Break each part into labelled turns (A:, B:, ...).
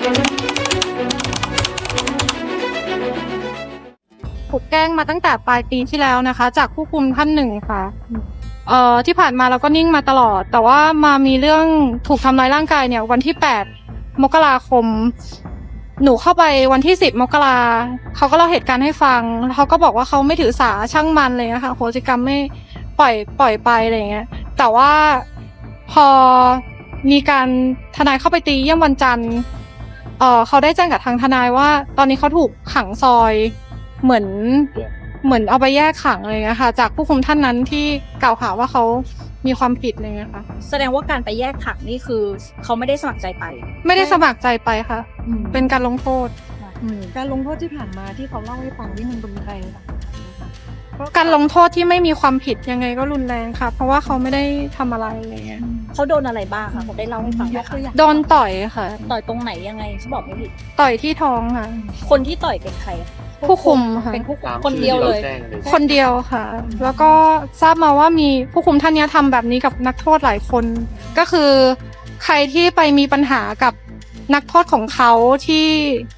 A: ถูกแกล้งมาตั้งแต่ปลายปีที่แล้วนะคะจากผู้คุมท่านหนึ่งค่ะที่ผ่านมาเราก็นิ่งมาตลอดแต่ว่ามามีเรื่องถูกทำร้ายร่างกายเนี่ยวันที่8 มกราคมหนูเข้าไปวันที่10 มกราเขาก็เล่าเหตุการณ์ให้ฟังเขาก็บอกว่าเขาไม่ถือสาช่างมันเลยนะคะโหสิกรรมไม่ปล่อยไปอะไรอย่างเงี้ยแต่ว่าพอมีการทนายเข้าไปตีเยี่ยมวันจันทร์เขาได้แจ้งกับทางทนายว่าตอนนี้เขาถูกขังซอยเหมือนเอาไปแยกขังอะไรเงี้ยค่ะจากผู้คุมท่านนั้นที่กล่าวหาว่าเขามีความผิดอะไรเงี้ยค่ะ
B: แสดงว่าการไปแยกขังนี่คือเขาไม่ได้สมัครใจไป
A: ไม่ได้สมัครใจไปค่ะเป็นการลงโทษ
C: การลงโทษที่ผ่านมาที่เขาเล่าให้ฟังนี่มันรุนแรงค่ะ
A: การลงโทษที่ไม่มีความผิดยังไงก็รุนแรงค่ะเพราะว่าเขาไม่ได้ทำอะไรอะไรเงี้ย
B: เขาโดนอะไรบ้างคะเขาได้เล่าให้ฟังไหมคะ
A: โดนต่อยค่ะ
B: ต่อยตรงไหนยังไงเขาบอกไม่ผิด
A: ต่อยที่ท้องค่ะ
B: คนที่ต่อยเป็นใคร
A: ผู้คุมค่ะ
B: เป็นผู้คุมคนเดียวเลย
A: คนเดียวค่ะแล้วก็ทราบมาว่ามีผู้คุมท่านนี้ทำแบบนี้กับนักโทษหลายคนก็คือใครที่ไปมีปัญหากับนักโทษของเขาที่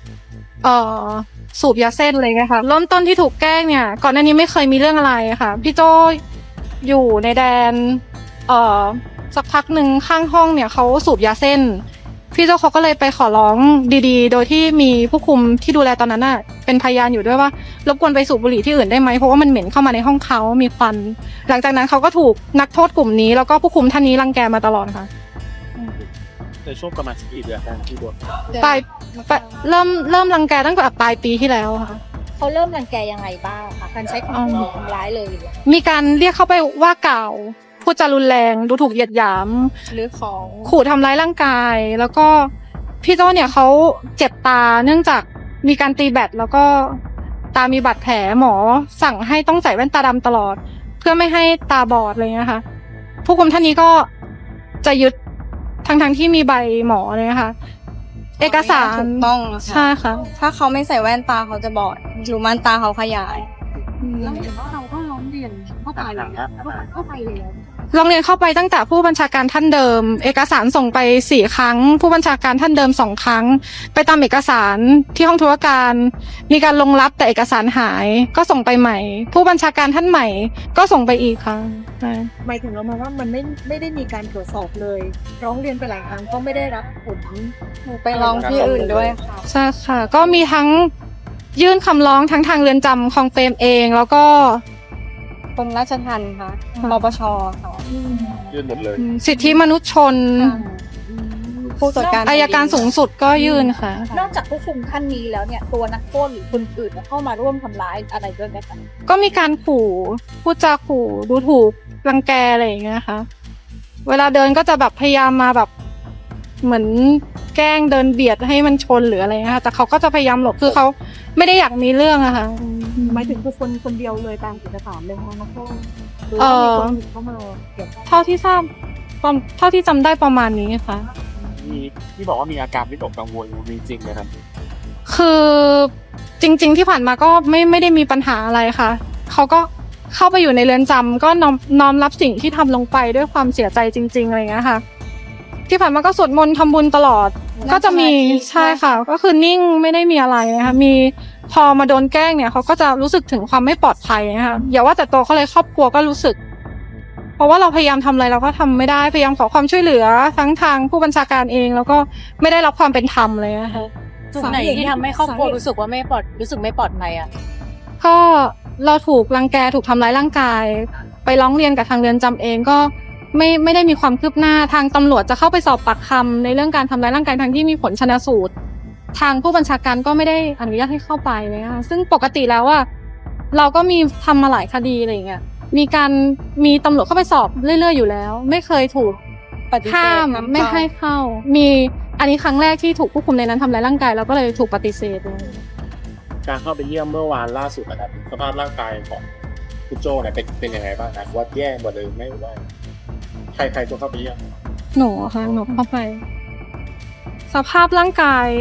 A: สูบยาเส้นอะไรเงี้ยค่ะเริ่มต้นที่ถูกแกล้งเนี่ยก่อนหน้านี้ไม่เคยมีเรื่องอะไรค่ะพี่โจอยู่ในแดนสักพักหนึ่งข้างห้องเนี่ยเขาสูบยาเส้นพี่โจเขาก็เลยไปขอร้องดีๆโดยที่มีผู้คุมที่ดูแลตอนนั้นน่ะเป็นพยานอยู่ด้วยว่ารบกวนไปสูบบุหรี่ที่อื่นได้ไหมเพราะว่ามันเหม็นเข้ามาในห้องเขามีควันหลังจากนั้นเขาก็ถูกนักโทษกลุ่มนี้แล้วก็ผู้คุมท่านนี้รังแกมาตลอดค่ะ
D: ในช่วงประมาณกี่เดือนที่โดน
A: เริ่มรังแกตั้งแต่ปลายปีที่แล้วค่ะ
B: เขาเริ่มรังแกยังไงบ้างคะการใช้ความรุนแรงทำร้ายเลย
A: มีการเรียกเข้าไปว่ากล่าวพูดจารุนแรงดูถูกเหยียดหยาม
B: หรือของ
A: ขู่ทำร้ายร่างกายแล้วก็พี่โจ้เนี่ยเขาเจ็บตาเนื่องจากมีการตีแบตแล้วก็ตามีบาดแผลหมอสั่งให้ต้องใส่แว่นตาดำตลอดเพื่อไม่ให้ตาบอดอะไรเงี้ยค่ะผู้คุมท่านนี้ก็จะยึดทั้งที่มีใบหมอเลยนะคะเอกสาร
C: ถูกต้อง
A: ใช่ค่ะ
C: ถ้าเขาไม่ใส่แว่นตาเขาจะบอดอยู่มันตาเขาขยาย
B: แล้วเห็นว่าเราก็ร้องเรียนเข้าไปเลยแล้ว
A: ร้องเรียนเข้าไปตั้งแต่ผู้บัญชาการท่านเดิมเอกสารส่งไป4 ครั้งผู้บัญชาการท่านเดิม2 ครั้งไปตามเอกสารที่ห้องธุรการมีการลงรับแต่เอกสารหายก็ส่งไปใหม่ผู้บัญชาการท่านใหม่ก็ส่งไปอีกครั้ง
C: หมายถึงเรามองว่ามันไม่ได้มีการตรวจสอบเลยร้องเรียนไปหลายครั้งก็ไม่ได้รับผลไปร้องที่อื่นด้วยค่ะ
A: ใช่ค่ะก็มีทั้งยื่นคำร้องทั้งทางเรือนจำคลองเปรมเองแล้วก็
C: กรมราชทัณฑ์ค่ะปปชค่ะ
D: ยื่นหมดเลย
A: สิทธิมนุษยชน
C: ผู้ตรวจการ
A: อัยการสูงสุดก็ยื่นค่ะ
B: นอกจากผู้คุมท่านนี้แล้วเนี่ยตัวนักโทษหรือคนอื่นเข้ามาร่วมทำร้ายอะไรด้วยไหมคะ
A: ก็มีการขู่พูดจาขู่ดูถูกรังแกอะไรอย่างเงี้ยค่ะเวลาเดินก็จะแบบพยายามมาแบบเหมือนแกล้งเดินเบียดให้มันชนหรืออะไรเงี้ยค่ะแต่เขาก็จะพยายามหลบคือเขาไม่ได้อยากมีเรื่องอะค่ะ
C: หมายถึงคนเดียวเลยตามเอกสารเลยค่ะนักโทษหรือว่ามีคนอื่นเข้ามาเกี่ยวข้อง
A: เท่าที่ทราบเท่าที่จำได้ประมาณนี้ค่ะ
D: มีที่บอกว่ามีอาการวิตกกังวลมีจริงไหมครับ
A: คือจริงๆที่ผ่านมาก็ไม่ได้มีปัญหาอะไรค่ะเขาก็เข้าไปอยู่ในเรือนจำก็น้อมรับสิ่งที่ทำลงไปด้วยความเสียใจจริงๆอะไรอย่างเงี้ยค่ะที่ผ่านมาก็สวดมนต์ทำบุญตลอดก็จะมีใช่ค่ะก็คือนิ่งไม่ได้มีอะไรนะคะมีพอมาโดนแกล้งเนี่ยเขาก็จะรู้สึกถึงความไม่ปลอดภัยนะคะอย่าว่าแต่ตัวเขาเลยครอบครัวก็รู้สึกเพราะว่าเราพยายามทำอะไรเราก็ทำไม่ได้พยายามขอความช่วยเหลือทั้งทางผู้บัญชาการเองแล้วก็ไม่ได้รับความเป็นธรรมเลยนะคะ
B: จุดไหนที่ทำให้ครอบครัวรู้สึกว่าไม่ปลอดภัยอ่ะ
A: ก็เราถูกรังแกถูกทำร้ายร่างกายไปร้องเรียนกับทางเรือนจำเองก็ไม่ได้มีความคืบหน้าทางตำรวจจะเข้าไปสอบปากคำในเรื่องการทำร้ายร่างกายทางที่มีผลชันสูตรทางผู้บัญชาการก็ไม่ได้อนุญาตให้เข้าไปนะคะซึ่งปกติแล้วว่าเราก็มีทำมาหลายคดีอะไรอย่างเงี้ยมีตำรวจเข้าไปสอบเรื่อยๆอยู่แล้วไม่เคยถูกห้ามไม่ให้เข้ามีอันนี้ครั้งแรกที่ถูกผู้คุมในนั้นทำร้ายร่างกายแล้วก็เลยถูกปฏิเสธ
D: การเข้าไปเยี่ยมเมื่อวานล่าสุดนะครับสภาพร่างกายของคุณโจเนี่ยเป็นยังไงบ้างนะว่าแย่กว่าเดิมไม่ว่าใครตัวเข้าไปเยี่ยม
A: หนูค่ะหนูเข้าไปสภาพร่างกาย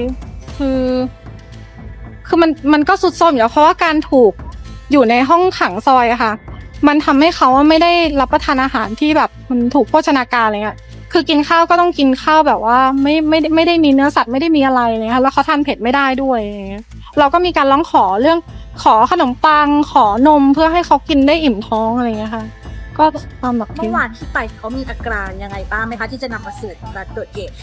A: คือมันก็สุดโทรมอยู่แล้วเพราะว่าการถูกอยู่ในห้องขังซอยอะค่ะมันทำให้เขาไม่ได้รับประทานอาหารที่แบบมันถูกโภชนาการอะไรเงี้ยคือกินข้าวก็ต้องกินข้าวแบบว่าไม่ได้มีเนื้อสัตว์ไม่ได้มีอะไรเลยค่ะแล้วเขาทานเผ็ดไม่ได้ด้วยอย่างเงี้ยเราก็มีการร้องขอเรื่องขอขนมปังขอนมเพื่อให้เขากินได้อิ่มท้องอะไรเงี้ยค่ะก็ตามแบบ
B: เมื่อวานที่ไปเขามีอาการยังไงบ้างไหมคะที่จะนำมาสู่การเกิดเหตุ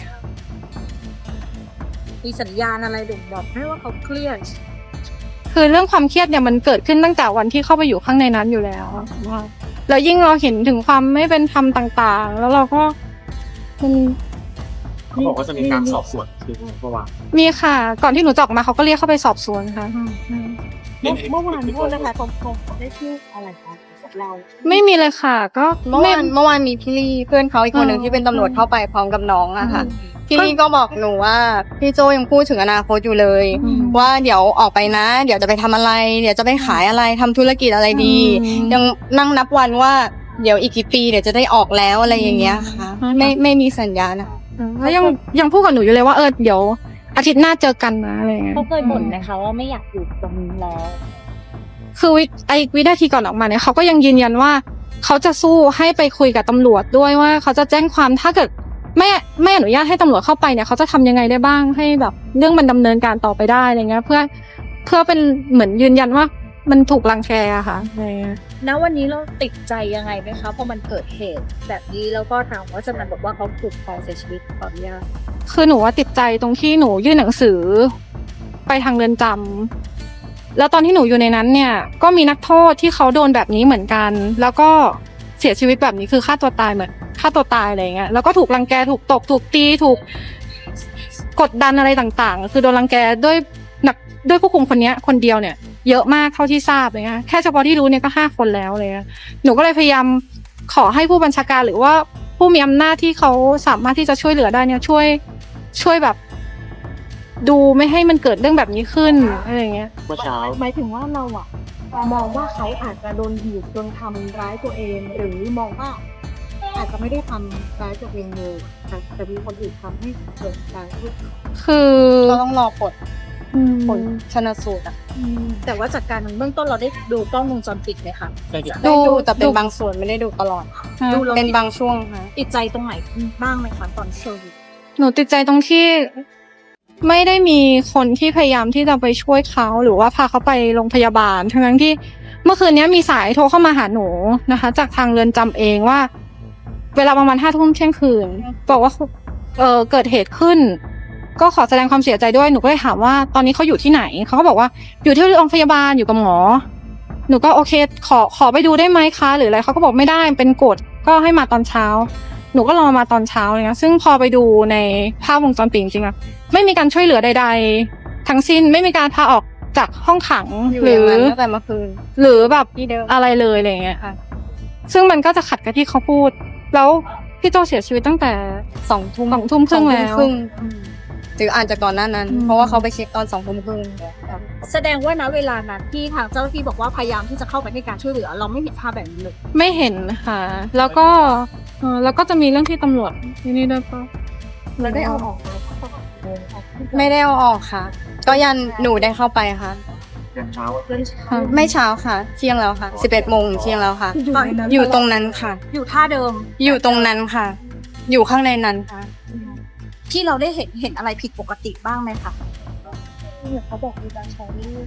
B: มีสัญญาณอะไรบ่งบอกให้ว่าเขาเครียด
A: คือเรื่องความเครียดเนี่ยมันเกิดขึ้นตั้งแต่วันที่เข้าไปอยู่ข้างในนั้นอยู่แล้วว่าแล้วยิ่งเราเห็นถึงความไม่เป็นธรรมต่างๆ แล้วเราก็มัน
D: เขาบอกว่าจะมีการสอบสวนคือเมื่อวาน
A: มีค่ะ ก่อนที่หนูจะออกมาเขาก็เรียกเข้าไปสอบสวนค่ะ
C: เมื่อวานโทษนะคะเขาได้พูดอะไรคะกับเรา
A: ไม่มีเลยค่ะ ก็
E: เมื่อวานมีพี่ลี่เพื่อนเขาอีกคนหนึ่งที่เป็นตำรวจเข้าไปพร้อมกับน้องอะค่ะพี่ลี่ก็บอกหนูว่าพี่โจยังพูดถึงอนาคตอยู่เลย ว่าเดี๋ยวออกไปนะ เดี๋ยวจะไปทำอะไร เดี๋ยวจะไปขายอะไรทำธุรกิจอะไรดี ยังนั่งนับวันว่าเดี๋ยวอีกกี่ปีเดี๋ยวจะได้ออกแล้วอะไรอย่างเงี้ยค่ะไม่มีสัญญาณนะ
A: แล้วยังพูดกับหนูอยู่เลยว่าเดี๋ยวอาทิตย์หน้าเจอกันนะอะไรเงี้ย
B: เขาเคยบ่นนะคะว่าไม่อยากอยู่ตรงนี้แล้ว
A: คือวินาทีก่อนออกมาเนี่ยเขาก็ยังยืนยันว่าเขาจะสู้ให้ไปคุยกับตำรวจด้วยว่าเขาจะแจ้งความถ้าเกิดไม่อนุญาตให้ตำรวจเข้าไปเนี่ยเขาจะทำยังไงได้บ้างให้แบบเรื่องมันดำเนินการต่อไปได้อะไรเงี้ยเพื่อเป็นเหมือนยืนยันว่ามันถูกรังแกอะค่ะอะไรเงี้ย
B: ณวันนี้เราติดใจยังไงไหมคะพอมันเกิดเหตุแบบนี้แล้วก็ทางวัชนันบอกว่าเขาถูกแทงเสียชีวิตขออนุญาต
A: คือหนูว่าติดใจตรงที่หนูยื่นหนังสือไปทางเรือนจำแล้วตอนที่หนูอยู่ในนั้นเนี่ยก็มีนักโทษที่เขาโดนแบบนี้เหมือนกัน แล้วก็เสียชีวิตแบบนี้คือฆ่าตัวตายเหมือนฆ่าตัวตายอะไรเงี้ยแล้วก็ถูกรังแกถูกตบถูกตีถูกกดดันอะไรต่างๆ คือโดนรังแกด้วยผู้คุมคนนี้คนเดียวเนี่ยเยอะมากเท่าที่ทราบเลยนะแค่เฉพาะที่รู้เนี่ยก็5 คนแล้วเลยหนูก็เลยพยายามขอให้ผู้บัญชาการหรือว่าผู้มีอำนาจที่เขาสามารถที่จะช่วยเหลือได้เนี่ยช่วยแบบดูไม่ให้มันเกิดเรื่องแบบนี้ขึ้นอะไรอย่างเงี้ย
D: เมื่อเช้า
C: หมายถึงว่าเราอะมองว่าเขาอาจจะโดนบีบจนทำร้ายตัวเอง หรือมองว่าอาจจะไม่ได้ทำร้ายตัวเองเลยแต่มีคนอื่นทำให้เกิดการพูด
A: คือ
E: เราต้องรอผลชนสูตรอะ
B: แต่ว่าจากการเบื้องต้นเราได้ดูกล้องวงจรปิดไหมคะ
D: ใช่ครับ
E: ได้ดูแต่เป็นบางส่วนไม่ได้ดูตลอด
B: ดูแล้ว
E: เป็นบางช่วงค่ะ
B: ติดใจตรงไหนบ้างไหมคะตอนเชิญ
A: หนูติดใจตรงที่ไม่ได้มีคนที่พยายามที่จะไปช่วยเขาหรือว่าพาเขาไปโรงพยาบาลทั้งที่เมื่อคืนนี้มีสายโทรเข้ามาหาหนูนะคะ จากทางเรือนจำเองว่า เวลาประมาณ5 ทุ่มเที่ยงคืนบอกว่าเกิดเหตุขึ้น ก็ขอแสดงความเสียใจด้วยหนูก็เลยถามว่าตอนนี้เขาอยู่ที่ไหนเขาก็บอกว่าอยู่ที่โรงพยาบาลอยู่กับหมอหนูก็โอเคขอไปดูได้ไหมคะหรืออะไรเขาก็บอกไม่ได้เป็นกฎก็ให้มาตอนเช้าหนูก็รอมาตอนเช้าเลยนะซึ่งพอไปดูในภาพวงจรปิดจริงๆอะไม่มีการช่วยเหลือใดๆทั้งสิ้นไม่มีการพาออกจากห้องขัง
E: อยู่
A: ห
E: อ
A: รื
E: ย่าง
A: อ
E: นั้นตั้งแต่เมื่อคืน
A: หรือแบบ
E: ที่เดิม
A: อะไรเลยอะไรอย่างเงี้ยค่ะซึ่งมันก็จะขัดกับที่เขาพูดแล้วพี่โจเสียชีวิตตั้งแต่
E: 2 ทุ่ม
A: 2 ทุ่มครึ่งแล้ว
E: หรืออาจจะก่อนหน้านั้น เพราะว่าเขาไปเช็คตอน2 ทุ่มครึ่ง
B: แสดงว่าณเวลานั้นที่ทางเจ้าหน้าที่บอกว่าพยายามที่จะเข้าไปให้การช่วยเหลือ เราไม่เห็นภาพแบบนี้เลย
A: ไม่เห็นค่ะ แล้วก็จะมีเรื่องที่ตำรวจที่นี่ด้วยปะ
C: เราได้เอาออก
E: ไม่ได้เอาออกค่ะ ก็ยันหนูได้เข้าไปค่ะ
D: ยันเช้า
E: ไม่เช้าค่ะ เที่ยงแล้วค่ะ 11 โมงเที่ยงแล้วค่ะ อยู่ตรงนั้นค่ะ
B: อยู่ท่าเดิม
E: อยู่ตรงนั้นค่ะ อยู่ข้างในนั้นค่ะ
B: ที่เราได้เห็นอะไรผิดปกติบ้างไหมคะ
C: เขาบอกมีการใช้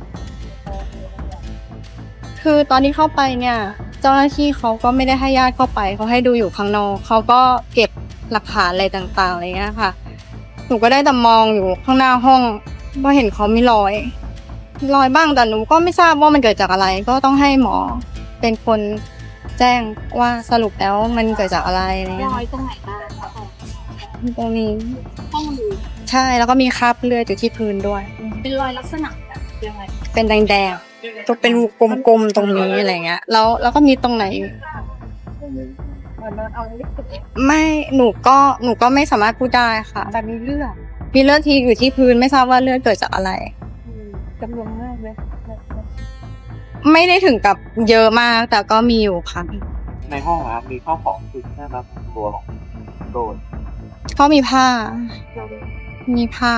E: คือตอนที่เข้าไปเนี่ย เจ้าหน้าที่เขาก็ไม่ได้ให้ญาติเข้าไปเขาให้ดูอยู่ข้างนอกเขาก็เก็บหลักฐานอะไรต่างๆอะไรเงี้ยค่ะ หนูก็ได้แต่มองอยู่ข้างหน้าห้องว่าเห็นเขามีรอยบ้างแต่หนูก็ไม่ทราบว่ามันเกิดจากอะไร ก็ต้องให้หมอเป็นคนแจ้งว่าสรุปแล้วมันเกิดจากอะไรอะไร
B: ร
E: เงี้ย
B: อยตรงไหนบ้างคะ
E: ตรงนี้
B: ห้องมือ
E: ใช่แล้วก็มีคราบเลือดอยู่ที่พื้นด้วย
B: เป็นรอยลักษณะแบบยังไง
E: เป็นแดงๆตัวเป็นกลมๆตรงนี้อะไรเงี้ยแล้วก็มีตรงไหน
C: เอาลิปสติก
E: ไม่หนูก็ไม่สามารถพูดได้ค่ะ
C: แต่มีเลือด
E: มีเลือดที่อยู่ที่พื้นไม่ทราบว่าเลือดเกิดจากอะไร
C: จำนวนมากเลย
E: ไม่ได้ถึงกับเยอะมากแต่ก็มีอยู่ค่ะ
F: ในห้องนะครับมีข้าวของคือแค่รับตัวของโดน
E: ก็มีผ้า มีผ้า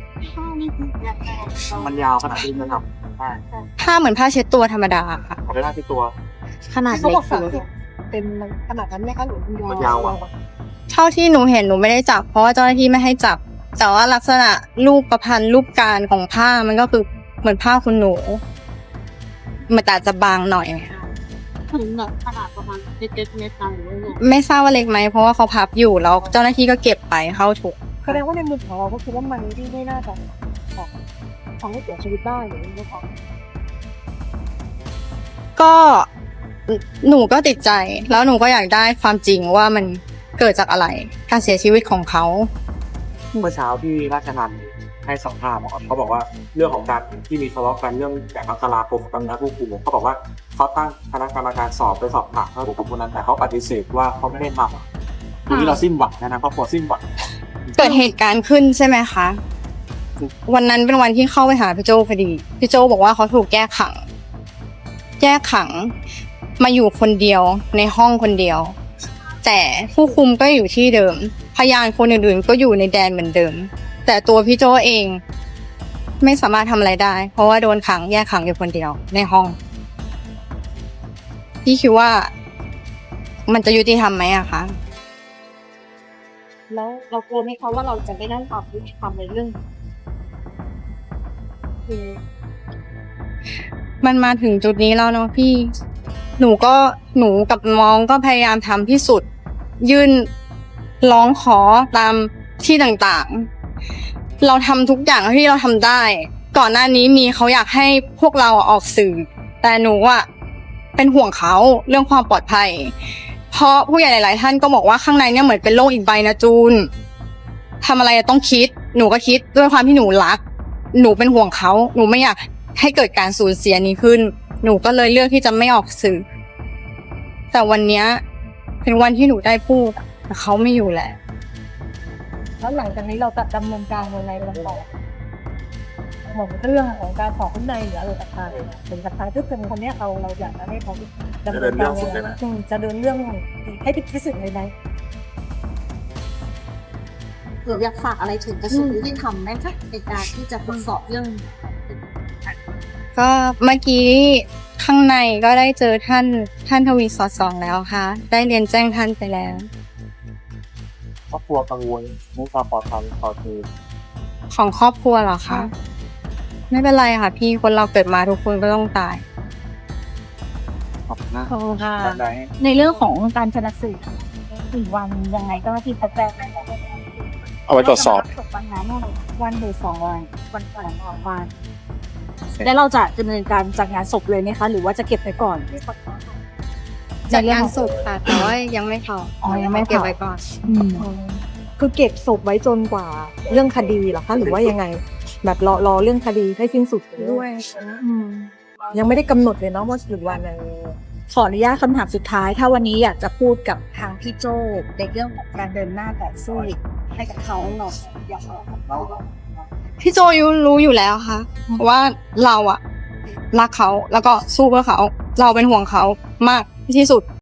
F: มันยาวขนาดที่จะทำได้
E: ผ้าเหมือนผ้าเช็ดตัวธรรมดาค่ะ
F: เอาไปได้ที่ตัว
E: ขนาด
C: เขา
E: เล็
C: บอก
E: ก
C: 30เป็นขนาดนั้นไหมคะหรือ
F: มันยาวอะ
E: เท่าที่หนูเห็นหนูไม่ได้จับเพราะว่าเจ้าหน้าที่ไม่ให้จับ แต่ว่าลักษณะรูปประพันธ์รูปการของผ้ามันก็คือเหมือนผ้าคุณหนูมันแต่จะบางหน่อย
C: ถึงแบบขนาดประมาณเล็กๆเม็ดๆหรือว่าไง
E: ไม่ทราบว่าเล็กไหมเพราะว่าเขาพับอยู่แล้วเจ้าหน้าที่ก็เก็บไปเข้าถุง
C: แสดงว่าในมุมของเราก็คือว่ามันไม่น่าจะของให้เสียชีวิตได้หรือไม่ของ
E: ก็หนูก็ติดใจแล้วหนูก็อยากได้ความจริงว่ามันเกิดจากอะไรการเสียชีวิตของเขา
F: เมื่อเช้าที่ราชนันท์ให้สัมภาษณ์เขาบอกว่าเรื่องของการที่มีทะเลาะกันเรื่องแต่มกราคมกับนักผู้คุมเขาบอกว่าเขาตั้งคณะกรรมการสอบไปสอบถามเขากับคนนั้นแต่เขาปฏิเสธว่าเขาไม่ได้ทำทีนี้เราสิ้นหวังนะครอบครัวสิ้นหวัง
E: เกิดเหตุการณ์ขึ้นใช่ไหมคะ วันนั้นเป็นวันที่เข้าไปหาพี่โจพอดีพี่โจบอกว่าเขาถูกแก้ขังมาอยู่คนเดียวในห้องคนเดียว แต่ผู้คุมก็อยู่ที่เดิมพยานคนอื่นๆก็อยู่ในแดนเหมือนเดิม แต่ตัวพี่โจเองไม่สามารถทำอะไรได้ เพราะว่าโดนขังแยกขังอยู่คนเดียวในห้องพี่คิดว่ามันจะยุติธรรมไหมอะคะ
C: แล้วเรากลัวไหมคะว่าเราจะไม่ได้ความยุติธรรมในเรื่องคือ
E: มันมาถึงจุดนี้แล้วเนาะพี่ หนูกับน้องก็พยายามทำที่สุด ยื่นร้องขอตามที่ต่างๆ เราทำทุกอย่างที่เราทำได้ ก่อนหน้านี้มีเขาอยากให้พวกเราออกสื่อ แต่หนูอะเป็นห่วงเขาเรื่องความปลอดภัย เพราะผู้ใหญ่หลายๆท่านก็บอกว่าข้างในเนี่ยเหมือนเป็นโลกอีกใบนะจูนทำอะไรต้องคิด หนูก็คิดด้วยความที่หนูรัก หนูเป็นห่วงเขาหนูไม่อยากให้เกิดการสูญเสียนี้ขึ้น หนูก็เลยเลือกที่จะไม่ออกสื่อ แต่วันเนี้ยเป็นวันที่หนูได้พูดแต่เขาไม่อยู่แล้ว
C: แล้วหลังจากนี้เราจะดำเนินการยังไงกันต่อเหมือนเรื่องของการขอข้างในหรืออะไรต่างๆถึงกับทางที่เป็นคนเนี้ยเราอยากจะให้เขาดำเนินการยังไงจะเดินเรื่องให้ถึงที่สุดเลยไหม
B: หรืออยากฝากอะไรถึงกระทรวงยุติธรรมไหมคะในการที่จะตรวจสอบเรื่อง
E: ก็เมื่อกี้ข้างในก็ได้เจอท่านทวีสอดส่องแล้วค่ะ ได้เรียนแจ้งท่านไปแล้ว
F: ครอบครัวกังวลเรื่องความปลอดภัยต่อคือ
E: ของครอบครัวเหรอคะไม่เป็นไรค่ะพี่คนเราเกิดมาทุกคนก็ต้องตาย
F: ขอบคุณมาก
B: ขอบคุณค่ะ
F: ได้
B: ในเรื่องของการชนะสูตรถึงวันยังไงก็ที่พักแรก
D: เอาไว้ตรวจสอบ
B: วันนั้นวันหรือ2 วันวันก่อนวันแล้วเราจะดำเนินการจัดงานศพเลยไหมคะ หรือว่าจะเก็บไปก่อน
E: จัดงานศพค่ะแต่ว่ายังไม่เผา
B: อ๋อยังไม่เผา
E: เก็บไว้ก่อน
C: คือเก็บศพไว้จนกว่าเรื่องคดีเหรอคะหรือว่ายังไง แบบรอเรื่องคดีให้สิ้นสุด
E: ด้วย
C: ยังไม่ได้กำหนดเลยเนาะว่าถึงวันอะไร
B: ขออนุญาตคำถามสุดท้าย ถ้าวันนี้อยากจะพูดกับทางพี่โจ้ในเรื่องของการเดินหน้าต่อสู้ให้กับเขาหน่อยอยากบอกกับเขา
E: พี่โจรู้อยู่แล้วค่ะว่าเราอะรักเขาแล้วก็สู้เพื่อเขา เราเป็นห่วงเขามากที่สุด